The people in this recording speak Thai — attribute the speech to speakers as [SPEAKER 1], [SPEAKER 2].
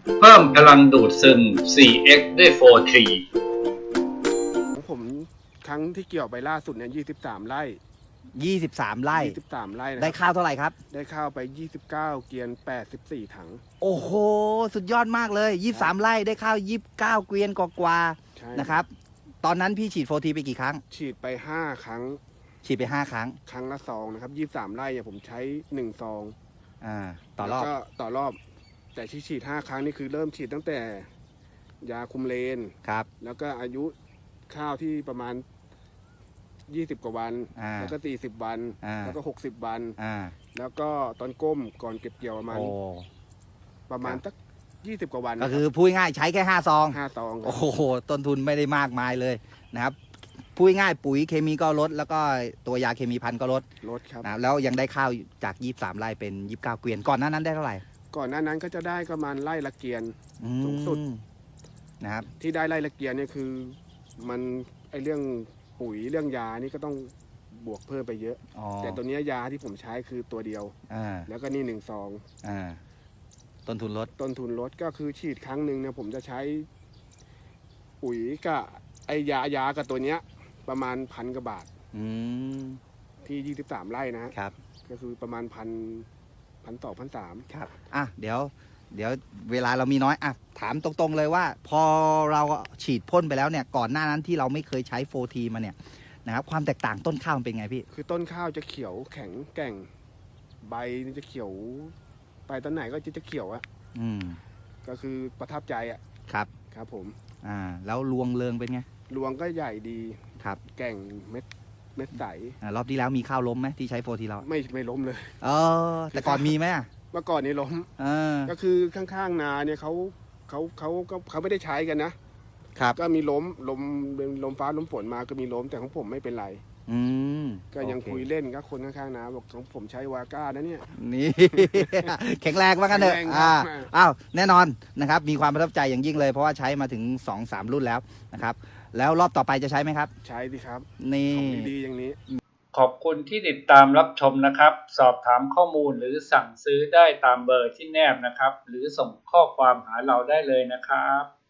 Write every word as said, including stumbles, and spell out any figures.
[SPEAKER 1] เพิ่มพลังดูดซึม โฟร์ เอ็กซ์ ด้วย โฟร์ ทรี
[SPEAKER 2] ของผมครั้งที่เกี่ยวไปล่าสุดเนี่ยยี่สิบสามไร่
[SPEAKER 3] ยี่สิบสามไร่
[SPEAKER 2] ยี่สิบสามไร่นะ
[SPEAKER 3] ได้
[SPEAKER 2] ครับ
[SPEAKER 3] ข้าวเท่าไหร่ครับ
[SPEAKER 2] ได้ข้าวไปยี่สิบเก้าเกวียนแปดสิบสี่ถัง
[SPEAKER 3] โอ้โห สุดยอดมากเลยยี่สิบสามไร่ได้ข้าวยี่สิบเก้าเกวียนกว่า
[SPEAKER 2] ใช่
[SPEAKER 3] ๆนะครับ ตอนนั้นพี่ฉีดโฟทีไปกี่ครั้ง
[SPEAKER 2] ฉีดไปห้าครั้ง
[SPEAKER 3] ฉีดไปห้าครั้ง
[SPEAKER 2] ครั้งละซองนะครับยี่สิบสามไร่เนี่ยผมใช้หนึ่งซอง
[SPEAKER 3] อ่า ต่อรอบ
[SPEAKER 2] แล้วก็ต่อรอบ แต่ที่ฉีดห้าครั้งนี่คือเริ่มฉีดตั้งแต่ยาคุมเลน
[SPEAKER 3] ครับ
[SPEAKER 2] แล้วก็อายุข้าวที่ประมาณยี่สิบกว่าวัน
[SPEAKER 3] อ่า
[SPEAKER 2] แล้วก็สี่สิบวัน
[SPEAKER 3] อ่า
[SPEAKER 2] แล้วก็หกสิบวัน
[SPEAKER 3] อ่า
[SPEAKER 2] แล้วก็ตอนก้มก่อนเก็บเกี่ยวประมาณ
[SPEAKER 3] โอ้
[SPEAKER 2] ประมาณ
[SPEAKER 3] ครับ
[SPEAKER 2] สักยี่สิบกว่าวัน
[SPEAKER 3] ก็คือพูดง่ายๆใช้แค่ห้าซอง
[SPEAKER 2] ห้าซองครั
[SPEAKER 3] โอ้
[SPEAKER 2] บ
[SPEAKER 3] โห ต้นทุนไม่ได้มากมายเลยนะครับ พูดง่ายๆปุ๋ยเคมีก็ลด แล้วก็ตัวยาเคมีพันก็ลด
[SPEAKER 2] ลดครับ
[SPEAKER 3] นะแล้วยังได้ข้าวจากยี่สิบสามไร่เป็นยี่สิบเก้าเกวียน ก่อนหน้านั้นได้เท่าไหร่
[SPEAKER 2] ก่อนหน้านั้นก็จะได้ประมาณไร่ละเกียน
[SPEAKER 3] อืม
[SPEAKER 2] สูงสุด
[SPEAKER 3] นะครับ
[SPEAKER 2] ที่ได้ไร่ละเกียนเนี่ยคือมันไอเรื่องปุ๋ยเรื่องยานี่ก็ต้องบวกเพิ่มไปเยอะ
[SPEAKER 3] อ๋อ
[SPEAKER 2] แต่ตัวเนี้ยยาที่ผมใช้คือตัวเดียว
[SPEAKER 3] อ่า
[SPEAKER 2] แล้วก็นี่หนึ่งซอง
[SPEAKER 3] อ่า ต้นทุนลด
[SPEAKER 2] ต้นทุนลดก็คือฉีดครั้งหนึ่งเนี่ยผมจะใช้ปุ๋ยกับไอยายากับตัวเนี้ยประมาณพันกว่าบาท
[SPEAKER 3] อืม
[SPEAKER 2] ที่ยี่สิบสามไร่นะฮะ
[SPEAKER 3] ครับ
[SPEAKER 2] ก็คือประมาณพันพันสองพันสาม
[SPEAKER 3] ครับ อ่ะ เดี๋ยว เดี๋ยวเวลาเรามีน้อย อ่ะ ถามตรงๆเลยว่า พอเราฉีดพ่นไปแล้วเนี่ย ก่อนหน้านั้นที่เราไม่เคยใช้โฟทีมาเนี่ยนะครับ ความแตกต่างต้นข้าวมันเป็นไงพี่
[SPEAKER 2] คือต้นข้าวจะเขียวแข็งแกร่ง ใบนี่จะเขียว ไปตอนไหนก็จะจะเขียวอะ
[SPEAKER 3] อืม
[SPEAKER 2] ก็คือประทับใจอะ
[SPEAKER 3] ครับ
[SPEAKER 2] ครับผม
[SPEAKER 3] อ่า แล้วรวงเริงเป็นไง
[SPEAKER 2] รวงก็ใหญ่ดี
[SPEAKER 3] ครับ
[SPEAKER 2] แก่งเม็ดเม็ดใส
[SPEAKER 3] อ่ารอบที่แล้วมีข้าวล้มไหมที่ใช้โฟทีเรา
[SPEAKER 2] ไม่ไม่ล้มเลย
[SPEAKER 3] เออ แต่ก่อนมีไหมอ่ะ
[SPEAKER 2] เมื่อก่อนนี้ล้ม
[SPEAKER 3] เออ
[SPEAKER 2] ก็คือข้างๆนาเนี่ยเขาเขาเขาก็เขาไม่ได้ใช้กันนะ
[SPEAKER 3] ครับ
[SPEAKER 2] ก็มีล้มลมลมฟ้าลมฝนมาก็มีล้มแต่ของผมไม่เป็นไร
[SPEAKER 3] อืม
[SPEAKER 2] ก็ยัง
[SPEAKER 3] โอเค
[SPEAKER 2] คุยเล่นกับคนข้างๆนาบอกของผมใช้วาก้านะเนี่ย
[SPEAKER 3] นี่ แข็งแรงว่ากันเถอะ
[SPEAKER 2] แข็งแรงครับ
[SPEAKER 3] อ่าอ้าวแน่นอนนะครับ มีความประทับใจอย่างยิ่งเลย เพราะว่าใช้มาถึง สองสาม รุ่นแล้วนะครับ แล้วรอบต่อไปจะใช้ไหมครับ
[SPEAKER 2] ใช้ดิครับ
[SPEAKER 3] นี่
[SPEAKER 2] ของดีๆอย่างนี้
[SPEAKER 1] ขอบคุณที่ติดตามรับชมนะครับ สอบถามข้อมูลหรือสั่งซื้อได้ตามเบอร์ที่แนบนะครับ หรือส่งข้อความหาเราได้เลยนะครับ